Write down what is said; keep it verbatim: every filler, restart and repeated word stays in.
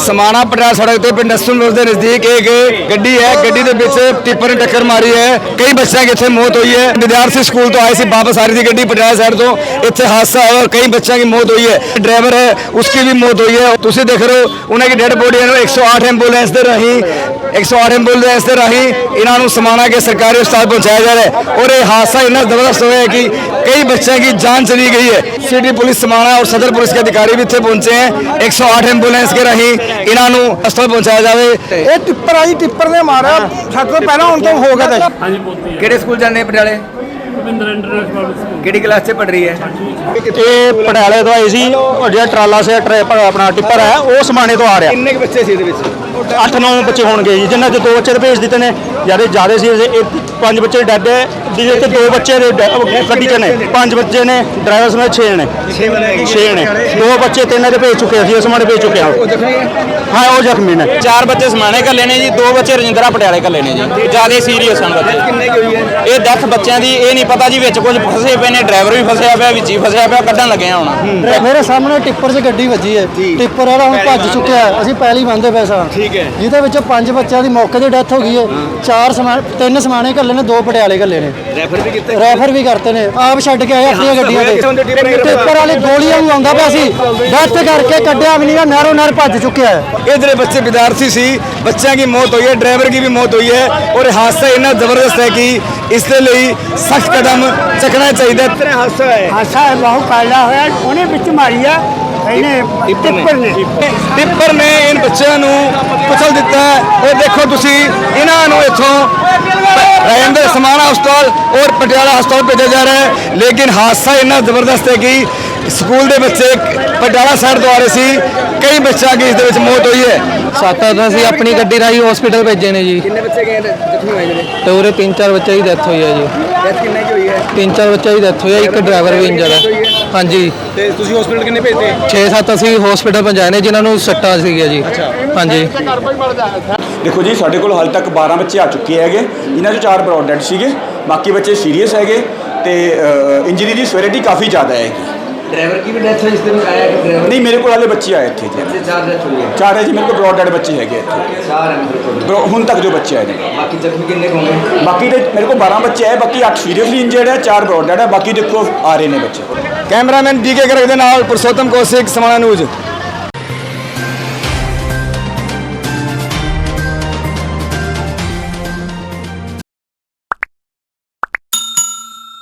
समाना पटियाला सड़क पे पिंड नसूल के नजदीक एक गड्डी है, गड्डी के विच टिप्पर ने टक्कर मारी है। कई बच्चों की इतने मौत हुई है। विद्यार्थी स्कूल तो आए थे, वापस आ रही थी गड्डी पटियाला साइड तो, इतने हादसा हुआ, कई बच्चों की मौत हुई है। ड्राइवर है उसकी भी मौत हुई है। तुम देख रहे हो उन्होंने डेड बॉडी एक सौ आठ एंबूलेंस के राही एक सौ आठ एंबूलेंस के राही इन्हों समाना के सरकारी अस्पताल पहुंचाया जा रहा है। और ये हादसा इतना जबरदस्त हुआ है कि कई बच्चों की जान चली गई है। सिटी पुलिस समाना और सदर पुलिस के अधिकारी भी इतने पहुंचे हैं। एक सौ आठ एंबूलेंस के राही इन्हों अस्पताल पहुंचाया जाए। ये टिप्पर आई टिप्पर ने मारा छत तो पहला हूं तो हो गया था। किहड़े स्कूल जाने पटियाले किहड़ी क्लास से पढ़ रही है? ये पटियाले तो आई सी और जो ट्राला से अपना टिप्पर है वो समाने तो आ रहा। किन्ने के बच्चे सी इहदे विच? अठ नौ बच्चे होंगे जी, जिन्होंने दो बच्चे भेज दिते ने, ज्यादा ज्यादा सी पांच बच्चे डेड है, जिहदे दो बच्चे गड्डी च ने, पांच बच्चे ने, ड्राइवर समेत छे ने छे ने दो बच्चे तीन दे भेज चुके हैं, समाने भेज चुके हैं। हाँ वो जख्मी ने। चार बच्चे समाने कल्ले ने जी, दो बच्चे रजिंद्रा पटियाले कल्ले ने जी, ज्यादा सीरीयस हैं बच्चे। ये डेथ बच्चों की ये नहीं पता जी, विच कुछ फसे पे ने, ड्राइवर भी फसया पिया, विच ही फसया पिया, कड्ढन लगे हुण। मेरे सामने टिप्पर 'ਚ ਗੱਡੀ ਵੱਜੀ ਹੈ, टिप्पर वाला ਹੁਣ ਭੱਜ ਚੁੱਕਿਆ ਹੈ। ਅਸੀਂ ਪਹਿਲੀ ਬੰਦੇ ਪਏ ਸਾਂ, ਜਿਹਦੇ ਵਿੱਚੋਂ ਪੰਜ ਬੱਚਿਆਂ ਦੀ ਮੌਕੇ ਤੇ ਡੈਥ ਹੋ ਗਈ ਹੈ। ਚਾਰ ਸਮਾਨ ਤਿੰਨ ਸਮਾਣੇ ਘੱਲੇ ਨੇ, ਦੋ ਪਟਿਆਲੇ ਘੱਲੇ ਨੇ, ਰੈਫਰ ਵੀ ਕੀਤੇ ਰੈਫਰ ਵੀ ਕਰਤੇ ਨੇ, ਆਪ ਛੱਡ ਕੇ ਆਏ ਆਪਣੀਆਂ ਗੱਡੀਆਂ ਤੇ। ਟਿੱਪਰ ਵਾਲੇ ਗੋਲੀਆਂ ਨੂੰ ਆਉਂਦਾ ਪਿਆ ਸੀ, ਡੈਥ ਕਰਕੇ ਕੱਢਿਆ ਵੀ ਨਹੀਂ, ਨਹਿਰੋਂ ਨਹਿਰ ਭੱਜ ਚੁੱਕਿਆ है। इधर बच्चे विद्यार्थी सी, बच्चों की मौत हुई है, ड्राइवर की भी मौत हुई है। और हादसा इतना जबरदस्त है कि इसके लिए सख्त कदम चकना चाहिए। हादसा है ਹਾਸਾ ਬਹੁਤ ਪੈਦਾ ਹੋਇਆ, ਉਹਨੇ ਵਿੱਚ ਮਾਰੀ ਆ ਇਹਨੇ ਟਿੱਪਰ ਨੇ। टिप्पर ने इन बच्चों को कुचल दिता है। और देखो तुसी इन्हों इथों राजेंद्र समाना हस्पताल और पटियाला हस्पताल भेजा जा रहा है। लेकिन हादसा इतना जबरदस्त है कि स्कूल के बच्चे पटियाला साइड तो आ रहे सी, कई बच्चों की इस मौत हुई है। सत्त ਅਸੀਂ ਆਪਣੀ ਗੱਡੀ ਰਾਹੀਂ ਹਸਪੀਟਲ ਭੇਜੇ ਨੇ ਜੀ, कितने बच्चे गए जख्मी हुए ने? ਤੇ ਉਰੇ ਤਿੰਨ ਚਾਰ ਬੱਚੇ ਦੀ ਡੈਥ ਹੋਈ ਹੈ ਜੀ। डेथ कितने की हुई है? ਤਿੰਨ ਚਾਰ ਬੱਚੇ ਦੀ ਡੈਥ ਹੋਈ ਹੈ, ਇੱਕ ਡਰਾਈਵਰ ਵੀ ਇੰਜਰ ਹੈ। ਹਾਂਜੀ ਤੇ ਤੁਸੀਂ ਹਸਪੀਟਲ ਕਿੰਨੇ ਭੇਜਦੇ? ਛੇ ਸੱਤ ਅਸੀਂ ਹਸਪੀਟਲ ਪਹੁੰਚਾਏ ਨੇ ਜਿਨ੍ਹਾਂ ਨੂੰ ਸੱਟਾਂ ਸੀਗੀਆਂ ਜੀ। ਹਾਂਜੀ देखो जी साढ़े को हाल तक बारह बच्चे आ चुके हैं, इन्हों चार ब्रॉड डेड सीगे, बाकी बच्चे सीरीयस है। तो इंजरी की सवेरिटी काफ़ी ज़्यादा है। ड्राइवर की भी डेथ हुई इस दिन आया कि ड्राइवर? नहीं मेरे को हाले बच्चे आए थे जी, चार डेथ हुई है। चार है जी, मेरे को ब्रॉड डेड बच्चे है चार है हूँ तक जो बच्चे आए हैं। बाकी जख्मी कितने होंगे? बाकी तो मेरे को बारह बच्चे आए, बाकी अठ सीरियसली इंजर्ड है, चार ब्रॉड डेड है, बाकी देखो आ रहे हैं बच्चे। कैमरामैन डी के गर्ग के नाल पुरुषोत्तम कौशिक, समाना न्यूज़।